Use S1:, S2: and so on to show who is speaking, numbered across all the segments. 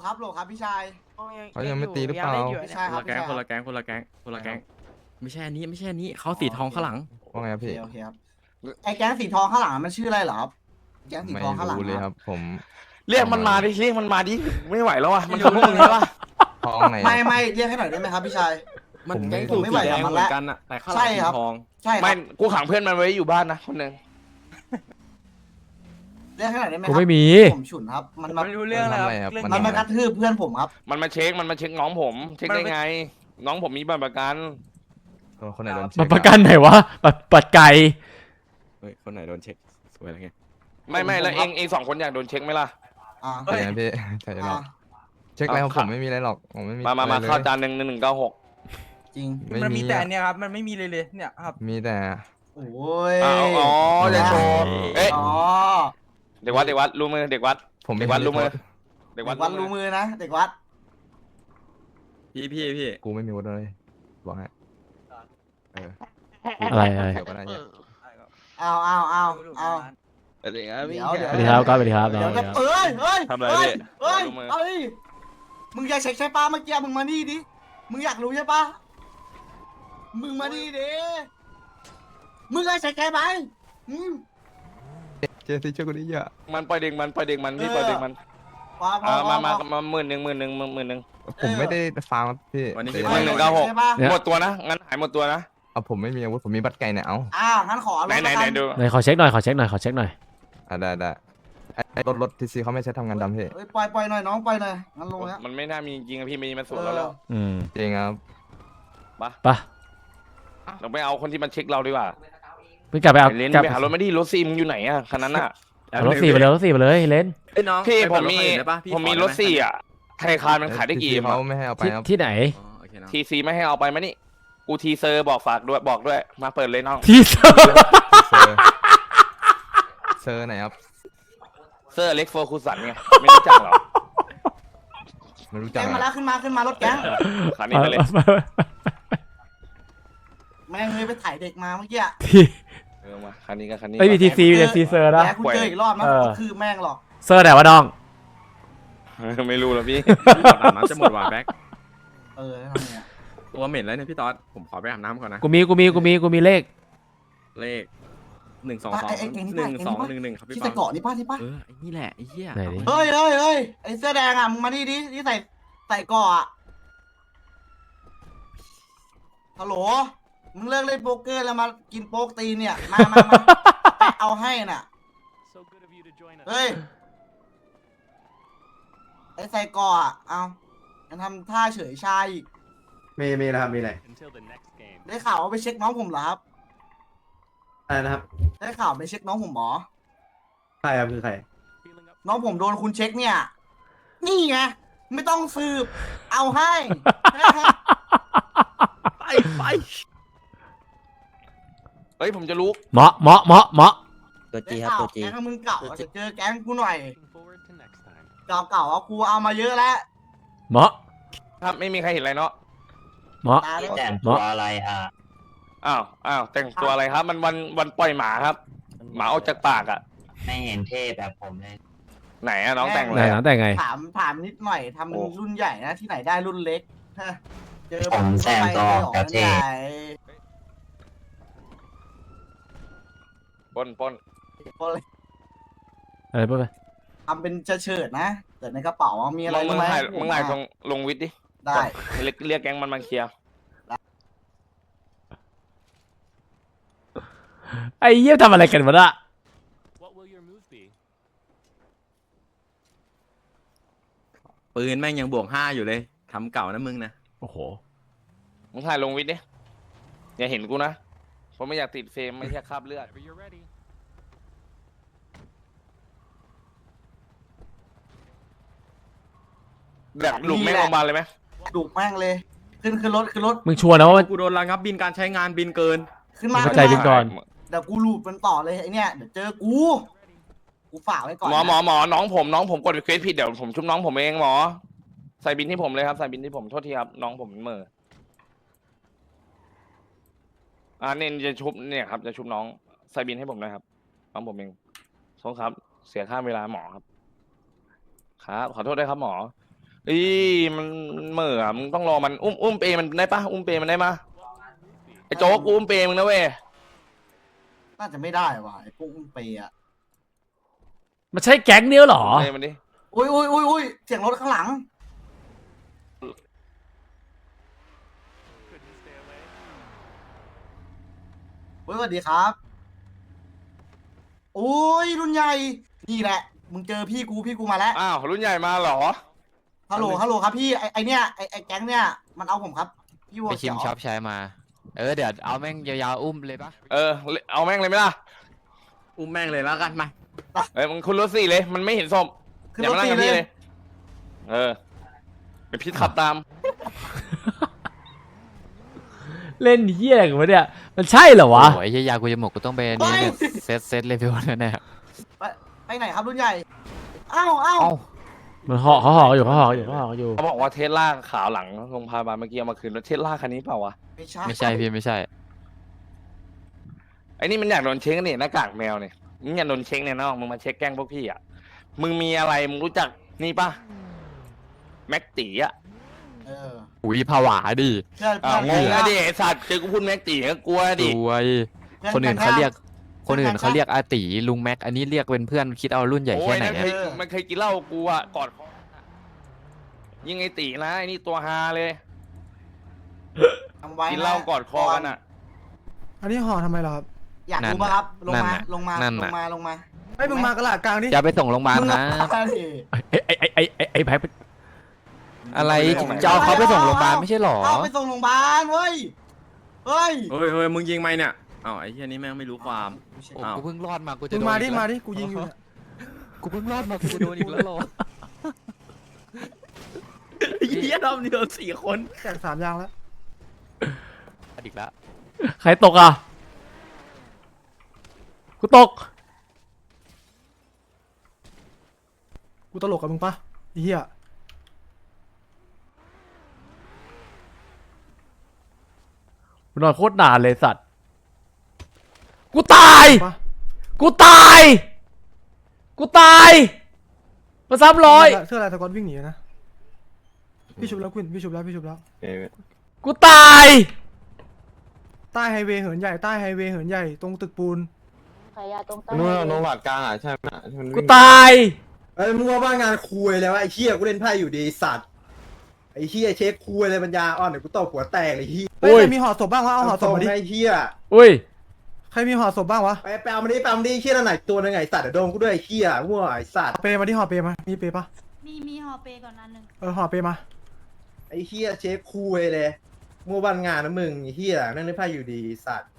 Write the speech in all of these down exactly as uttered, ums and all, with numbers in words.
S1: ครับโหลครับพี่ชาย
S2: เขายังไม่ตีหรือเปล่า
S1: ไม่ใช่
S3: ค
S1: ครั
S3: น
S1: บ
S3: ละแก๊ง
S1: ไม่ใช่
S3: คนละแก๊งคนละแก๊งคนละแก๊งไม่ใช่อันนี้ไม่ใช่อันนี้เขาสีทองข้างหลัง
S2: ว่าไงครับ
S1: โอเค
S2: พี่
S1: โอเคครับไอ้แก๊งสีทองข้างหลังมันชื่ออะไรเหรอครับแก๊งสี
S2: ไม่
S1: ทองข้างหลัง
S2: รู้เลย
S1: ค
S2: ค
S1: รั
S2: รับ บ ผม
S4: เรียกมันมาดิเรียกมันมาดิไม่ไหวแล้วอ่ะมันทำพวกมึงใช่ปะ
S2: ทองไหนอะ
S1: ไม่ไม่เรียกให้หน่อยได้ไหมครับพี่ชาย
S3: มัน
S2: ผมไม่
S3: แก๊งสู
S1: ผมไม่
S3: สี
S1: ไหว
S3: แด
S1: กับ
S3: ง
S1: มัน
S3: เหมือ
S1: ละ
S3: นกันอะแต่ข้างห
S1: ใช่
S3: ลังสี
S1: ครับ
S3: ทอง
S1: ใช่ค
S4: ไม่
S1: รับ
S4: กูขังเพื่อนมันไว้อยู่บ้านนะคนหนึ่ง
S1: เรียกให้หน่อยได้ไหมค
S5: กู
S1: รับ
S5: ไม่มี
S1: ผมฉุนครับ มัน
S6: ผม
S1: มา
S6: ไม่รู้เรื่องเลย
S2: ทำ
S6: ค
S2: อะไรค
S6: รั
S2: รั
S6: บบ เรื่อง
S2: มัน
S1: มันมากระทืบเพื่อนผมครับ
S4: มันมาเช็คมันมาเช็คน้องผม เช็คได้ไง น้องผมมีบัตรประกัน
S2: คนไหนโดนเช็
S5: มัน
S2: ค
S5: ประกันไหนวะปัดปัดไก่
S3: เฮ้ยคนไหนโดนเช็คสวยอะไรเงี้ย
S4: ไม่ไม่แล้ว
S1: ผม
S4: เองเองสองคนอยากโดนเช็คไหมล่ะ
S1: อ่า
S2: ใช่นะพี่ใช่หรอกเช็คอะไรของผมไม่มีอะไรหรอกผมไม่มี
S4: มามามา
S2: อะไรลย
S4: เข้าจานหนึ่งหนึ่งหนึ่งเก้าหก
S1: จริง
S6: มันมีแต่
S2: อะ
S6: อันเนี่ยครับ มันไม่มีเลยเลยเนี่ยครับ
S2: มีแต่
S1: โอ้ย
S4: อ๋ออ๋อจะโชว์เอ๊ะ
S1: อ๋อ
S4: เด็กวัดเด็กวัดรู้มือเด็กวัด
S2: ผม
S4: เด็กวัดรู้มือ
S1: เด็
S4: เด็ก
S1: ก
S4: วั
S1: วั
S4: ด
S1: ดรู้มือนะเด็กวัด
S3: พี่พี่พี่
S2: กูไม่มีวุฒิเลยบอกให้เออ
S5: อะไรอะไร
S2: เดี๋ยวก็ได้เนี่ย
S1: เอาเอาเอาเอา
S4: เด็กครับพี่
S1: เดี๋ยว
S5: สวัสดีครับก็สวัสดีครับ
S1: เดี๋ยว
S5: สวั
S1: จะ
S5: สดีครับ
S1: เอ้ยเอ้ย
S4: ทำอะไร
S1: เอ้ย
S4: พี่
S1: เอ้ย
S4: รู้มือ
S1: เอ้ยมึงอยากเช็คใช่ปะเมื่อกี้มึงมานี่ดิมึงอยากรู้ใช่ปะมึงมานี่ดิมึงอยากเช็คใช่ไหมอืม
S2: เจสซี่ช่วยกูดิเยอะ
S4: มันปล่อยเด็กมันปล่อยเด็กมันพี่ปล่อยเด็กมัน
S1: พอพอ
S4: อ่า
S1: พอ
S4: มามา
S1: พอ
S4: มาหมื่นหนึ่งหมื่นหนึ่งหมื่นหนึ่ง
S2: ผมไม่ได้ฟาร์มครับพี่
S3: วันนี้
S2: เดี๋
S3: พี่
S2: ยว
S4: หนึ่งเก้าหก
S1: ใช่ปะ
S4: หมดตัวนะงั้นหายหมดตัวนะ
S2: เอาผมไม่มีอาวุธผมมีบัตรไก่เนี่ยเอา
S1: อ่างั้นขอรถ
S4: ไหนไหน
S1: ละ
S4: ไหน
S1: กัน
S4: ดู
S5: ไหนขอเช็คหน่อยขอเช็คหน่อยขอเช็คหน่อย
S2: อ่ะได้ได้ไอ้ไอ้รถรถทีซีเขาไม่ใช้ทำงานดำพี่
S1: เอ้ยปล่อยปล่อยหน่อยน้องปล่อยหน่อยงั้นลงแล้ว
S4: มันไม่น่ามีจริงอะพี่มีมันสูงแล้วแล้ว
S5: อืม
S2: จริงครับ
S5: ไปะ
S4: เราไปเอาคนที่มันเช็คเราดีกว่า
S5: ไปกลับไปเอา
S4: ไอ้เลน
S5: กลับ
S4: ไปหารถไม่ดีรถซีมึงอยู่ไหนอะคันนั้นอะ
S5: เอารถสี่ไปเลยรถสี่ไปเลยเลน
S3: เอ้ยน้อง
S4: พี่
S3: ไป
S4: ผ
S3: เปิด
S4: มมี
S3: ถคันอื่นได้ปะพี่
S4: ผมมี
S3: ขอ
S4: รถ
S3: ได้ไห
S4: สี่อะไทยคารมันขายได้กี่
S2: ที
S4: เอ็
S2: ซี
S4: ม
S2: เขา
S4: อะ
S2: ไม่ให้เอาไป
S5: ที่
S2: ครับ
S5: ที่ไหน
S3: อ๋อโอเคน้อง
S4: ทีซีไม่ให้เอาไปมานี่กูทีเซอร์บอกฝากด้วยบอกด้วยมาเปิดเลยน้อง
S5: ที่เซอร์
S2: เซอร์เซอร์ไหนครับ
S4: เซอร์เล็กโฟคูสันไงไม่รู้จักเหรอ
S2: ไม่รู้จั
S1: แก๊
S2: ก
S1: ง
S2: อะ
S1: มาแล้วขึ้นมาขึ้นมารถแก๊ง
S4: คันนี้ไปเลย
S1: แม่งเลยไปถ่ายเด็กมาเมื่อกี้อะ
S5: ที่
S4: เออมาคันนี้กับคันนี้
S5: ไม่มีทีซีมีแต่ซีเซอร์นะ
S1: แกกูเจออีกรอบนะ
S5: เออ
S1: ก็คือแม่งหรอก
S5: เซอร์ไหนวะน้อง
S4: เออไม่รู้แล้วพี่
S3: อาบน้ำจะหมดว่ะแบ็ค
S1: เออทำไงอะ
S3: ตัวเหม็นแล้วเนี่ยพี่ต๊อดผมขอไปอาบน้ำก่อนนะ
S5: กูมีกูมีกูมีกูมีเลข
S3: เลขหนึ่งสองสอง
S1: ไอ้ไอ้ไอ้นี่
S3: หนึ่
S1: ป่ะ
S3: ง
S1: ไอ้
S3: สอง
S1: ป่ะ
S3: หนึ่งหนึ่งครับพี่
S1: ที่
S3: ป๊
S1: ใส่
S3: อ
S1: เกาะนี่ป้าที่ป้า
S3: เออไอ้นี่แหละไอ้เหี้ย
S5: ไหนดิ
S1: เฮ้ยเฮ้ยเฮ้ยไอ้เสื้อแดงอ่ะมึงมานี่ดิที่ใส่ใส่เกาะอะฮัลโหลมึงเลิกเล่นโป๊กเกอร์แล้วมากินโป๊กตีนเนี่ยมามามาไปเอาให้น่ะเฮ้ยไอ้ใส่เกาะอะเอายังทำท่าเฉยชายอีก
S7: มีมีนะครับมีอะไร
S1: ได้ข่าวว่าไปเช็คน้องผมเหรอครับ
S7: อะไรนะครับ
S1: ได้ข่าวไปเช็คน้องผมเหรอ
S7: ใครครับคือใคร
S1: น้องผมโดนคุณเช็คเนี่ย นี่ไง ไม่ต้องสืบ เอาให้
S3: ไปไป
S4: เฮ้ยผมจะรู้
S5: เหมาะเหมาะเหมาะเหมาะ
S8: ตัวจี
S1: ได้
S8: ครับ
S1: ข่าว
S8: ตัวจี
S1: แก๊งมึงเก่าจะเจอแก๊งกูหน่อย เก่าเก่าๆอ่ะกูเอามาเยอะแล้ว
S5: เหมาะ
S4: ครับไม่มีใครเห็นอะไรเนาะ
S5: เหมาะ
S1: ตาเล่น
S8: แต่งตัวอะไรอ่ะ
S4: อ้าวอ้าวแต่งตัวอะไรครับ มันวันวันปล่อยหมาครับ หมาออกจากปากอะ
S8: ไม่เห็นเท่แบบผมเลย
S4: ไหนอะน้องแต่ง
S5: ไห
S4: เล
S5: น
S4: ย
S5: นะ
S4: อะ
S5: แต่ไง
S1: ถามถามนิดหน่อยทำเป็นรุ่นใหญ่นะที่ไหนได้รุ่นเล็กฮะเจอ
S8: ผมแต่งตัว
S1: เข้าไป
S8: แบบ
S1: เจ
S8: เท่
S1: อของใหญ่
S4: ปล้นปล้น
S5: อะไรพูดไป
S1: ทำเป็นเฉิดๆนะแต่ในกระเป๋ามีอะไร
S4: มึง
S1: รู้ไหม
S4: ถ่ายมึงถ่ายตรงลงวิทย์ดิ
S1: ได้
S4: เรียกเรียกแก๊งมันมาเคลียร์
S5: ไอ้เยี่ยมทำอะไรกันวะน่ะ
S3: ปืนแม่งยังบวกห้าอยู่เลยทำเก่านะมึงนะ
S5: โอ้โห
S4: มึงถ่ายลงวิทย์ดิอย่าเห็นกูนะผมไม่อยากติดเฟรมไม่ใช่คราบเลือดแบบหลุมแม่งลงมาลเลยไหม
S1: ดุแม่งเลย ขึ้นขึ้นรถขึ้นรถ
S5: มึงชัวร์นะว่ามัน
S3: กูโดนระงับบินการใช้งานบินเกิน
S1: ขึ้นมา
S5: เข้า
S1: ขึ้น
S5: ใจ
S1: มา
S5: บินก่อน
S1: เดี๋ยวกูลูดมันต่อเลยไอเนี่ยเดี๋ยวเจอกู กูฝากไว้ก่อน
S4: หมอ
S1: นะ
S4: หมอหมอน้องผมน้องผมกดรีเควสผิดเดี๋ยวผมชุบน้องผมเองหมอใส่บินที่ผมเลยครับใส่บินที่ผมโทษทีครับน้องผมเหม่ออ่าเน้นจะชุบเนี่ยครับจะชุบน้องใส่บินให้ผมหนะครับน้องผมเองโทษครับ เสียค่าเวลาหมอครับครับขอโทษด้วยครับหมออีมันเหม่ออะมึงต้องรอมันอุ้มอุ้มเปมันได้ปะอุ้มเปมันได้มาไอ้โจ๊กกูอุ้มเปมึงนะเว้ย
S1: น่าจะไม่ได้ว่ะไอ้พวกอุ้มเปย์อะ
S5: มันใช่แก๊งเดียวเหรอ
S4: เปมันดิ
S1: อุ้ยอุ้ยอุ้ยอุ้ยเสียงรถข้างหลังเฮ้ยสวัสดีครับโอ้ยรุ่นใหญ่นี่แหละมึงเจอพี่กูพี่กูมาแล้ว
S4: อ้าวรุ่นใหญ่มาเหรอ
S1: ฮัลโหลฮัลโหลครับพี่ไอไอเนี้ยไอไอแก๊งเนี้ยมันเอาผมครับพี่วัว
S2: ไปชิ
S1: เขีย
S2: ม
S1: ว
S2: ช็อปใช้มา เออเดี๋ยวเอาแม่งยาวๆอุ้มเลยปะ
S4: เออเอาแม่งเลยไหมล่ะ
S3: อุ้มแม่งเลยแล้วกันมา
S4: เอ้ยมึงคุณรถสี่เลยมันไม่เห็นศพ
S1: ขึ้น
S4: อย่าร
S1: ถ
S4: มานั่ง
S1: ตี
S4: กับ
S1: เล
S4: พี่
S1: ย
S4: เลยเออเดี๋ยวพี่ขับตาม
S5: เล่นเหี้ยอะไรกันวะเนี่ย มันใช่เหรอวะ
S2: โอ้ยเหี้ยยากูจะหมดกูต้องไปอันนี้เนี่ยเซตเซตเลเวลนั่นแน่
S1: ไปไปไหนครับรุ่นใหญ่อ้าวอ้าว
S2: เอ้า
S5: มันห่อเขาห่ออยู่เขาห่ออยู่เขาห่ออยู่
S4: เขาบอกว่าเทสลาขาวหลังโรงพยาบาลเมื่อกี้เอามาคืนแล้วเทสลาคันนี้เปล่าวะ
S1: ไม่ใช่
S2: ไม่ใช่พี่ไม่ใช่
S4: ไอ้นี่มันอยากโดนเช็คนี่หน้ากากแมวเนี่ยมึงอยากโดนเช็คเนี่ยน้องมึงมาเช็คแกล้งพวกพี่อ่ะมึงมีอะไรมึงรู้จักนี่ปะแม็กตีอ่ะ
S1: เออ
S2: อุ้ยผวาดิ
S1: เพื่อน
S4: อ้า
S1: เพื่
S4: ว
S1: อน
S4: งง
S1: แก๊
S4: นะ
S1: ง
S4: ดิไอ้สัตว์เจอกูพูดแม็กตีก็กลัว
S2: ส
S4: ดิ
S2: วย
S1: พื่
S2: คนอื่นเขาเรียก
S1: แก๊ง
S2: คนอื่น
S1: แก๊ง
S2: เขาเรียกอาตีลุงแม็ก อันนี้เรียกเป็นเพื่อนคิดเอารุ่นใหญ่
S4: โอ้
S2: แค่
S4: ย
S2: ไหน
S4: นั่นเค
S2: อะ
S4: ยมันเคยกินเหล้ากูอ่ะกอดคอยิงไอ้ตีนะไอ้นี่ตัวฮาเลย
S1: จำไว้
S4: กิน
S1: นะ
S4: เหล้ากอดคอกันอ่ะ
S6: อันนี้ห่อทำไมล่ะครับ
S1: อยากรู้ปะครับลงมาลงมา
S2: นั่น
S1: ลง
S2: น่ะ
S1: มาลงมา
S6: ไอ้ยมึงมากระลาดกลางดิ
S2: อย่าไปส่งโรงพยาบาล
S1: มึง
S2: นะ
S1: มาดิ
S5: ไอ้ไอ้ไอ้ไอ้ไอ้ไอ้ไพ่
S2: อะไรจะเอาเขาไปส่งโรงพยาบาลไม่ใช่หรอ
S1: เอาไปส่งโรงพยาบาลเว้ยเฮ้ย
S3: เฮ้ยเฮ้ยมึงยิงไหมเนี่ยอ้าวไอ้เหี้ยนี่แม่งไม่รู้ความ
S2: โอ้
S3: อ้าว
S2: กูเพิ่งรอดมากูจะ
S6: มึง
S2: โดน
S6: มาดิ
S2: อีก
S6: มา
S2: แล้ว
S6: ดิกูยิงอยู่เนี่ย
S2: กูเพิ่งรอดมากูจะโดนอีกแล้วเหรอ
S3: ไอ้เหี้ยรอบนี้โดนสี่คน
S6: แตกสามยางแล้ว
S2: อีกแล้ว
S5: ใครตกอ่ะ กูตก
S6: กูตลกกับมึงปะไอ้เหี้ย
S5: กูนอนโคตรนานเลยสัตว์ กูตาย
S6: ปะ
S5: กูตาย กูตาย มาซ้ำร้อย
S6: เสื้อลายสก๊อตวิ่งหนีนะพี่ชุบแล้วคุณพี่ชุบแล้วพี่ชุบแล้ว
S5: กูตาย
S6: ใต้ไฮเวย์เหินใหญ่ใต้ไฮเวย์เหินใหญ่ตรงตึกปูน
S9: ขายยาตรงใต้
S7: นู่นโนวัดกลางอ่ะใช่ไหมที่มัน
S5: กู
S7: วิ่ง
S5: ตาย
S7: เอ้ยมึงว่าบ้างานคุยแล้วไอ้เหี้ยกูเล่นไพ่อยู่ดีสัตว์ไอ้เหี้ยเช็คคุยเลยปัญญาอ่อนเดี๋ยวกูตบหัวแตกไอ้เหี้ย
S6: เฮ้ย
S5: โอ้ย
S6: ใครมีห่อศพบ้างวะเอาห่อศพมาดิ
S7: ไอ้เหี้ย
S5: อุ้ย
S6: ใครมีห่อศพบ้างวะ
S7: ไปแปลมาดิแปลมาดิเหี้ยนั่นไหนตัวนึงไงสัตว์เดี๋ยวโดนกูด้วยไอ้เหี้ยมั่วไอ้สัตว์
S6: เปมาดิห่อเปมามีเปปะ
S9: มีมีฮอเปก่อนอันหนึ่ง
S6: เออห่อเปมา
S7: ไอ้เหี้ยเช็คคุยเลยมั่วบ้านงานนะมึงไอ้เหี้ยนั่งเล่นไพ่อยู่ดีสัตว์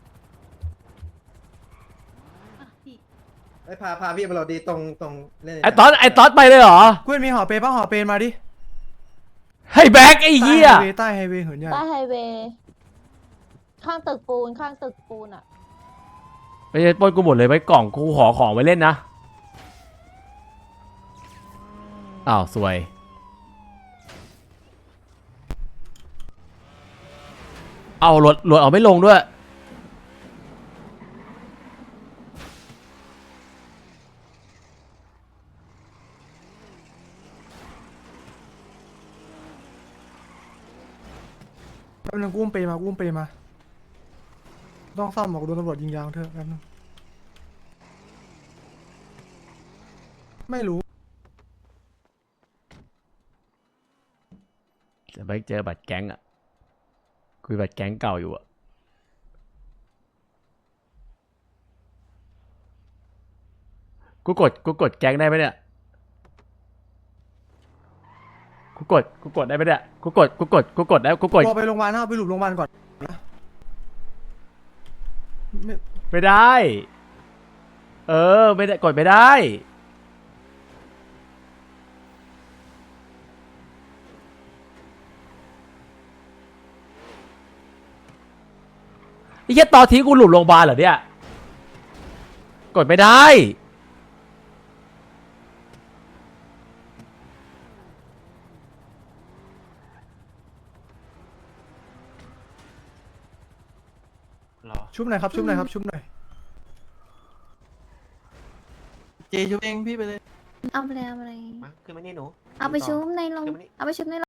S9: อ่ะพี่
S7: ไอ้พาพาพี่มาเราดีตรงตรงเล่น
S5: ไอ้ตอสไอ้ตอสไปเลยเหรอ
S6: กูมีห่อเปปะห่อเปมาดิ
S5: ให้แบ็กไอ้เหี้ย
S6: ใต้ไฮเวย์ใต้ไฮเวย์เหินใหญ่
S9: ใต้ไฮเวย์ข้างตึกปูนข้างตึกปูนอ่ะ
S5: ไม่ใช่ปล้นกูหมดเลยไว้กล่องกูขอของไว้เล่นนะ อ้าวสวย เอารถรถเอาไม่ลงด้วย
S6: แป๊บนึงกูอุ้มเปมากูอุ้มเปมาต้องซ่อมหรอกโดนตำรวจยิงยางเถอะแป๊บนึงไม่รู้
S5: จะไปเจอบัตรแก๊งอ่ะ คุยบัตรแก๊งเก่าอยู่อ่ะ กูกด กูกดแก๊งได้ไหมเนี่ย กูกด กูกดได้ไหมเนี่ย กูกด กูกด กูกดได้ กูกด
S6: รอไปโรงพยาบาลนะเอาไปหลุมโรงพยาบาลก่อนนะไม่
S5: ไม่ได้ เออ ไม่ได้ กดไม่ได้ ไอ้เหี้ยตอนทิ้งกูหลุมโรงพยาบาลเหรอเนี่ย กดไม่ได้
S6: ชุบหน่อยครับชุบหน่อยครับชุบหน่อย
S7: เจชุบเองพี่ไปเลย
S9: เอาไปเลยเอาไปเลย
S7: มาขึ้นมานี่หนู
S6: เอาไปชุบในโรง
S9: เอาไปชุบใน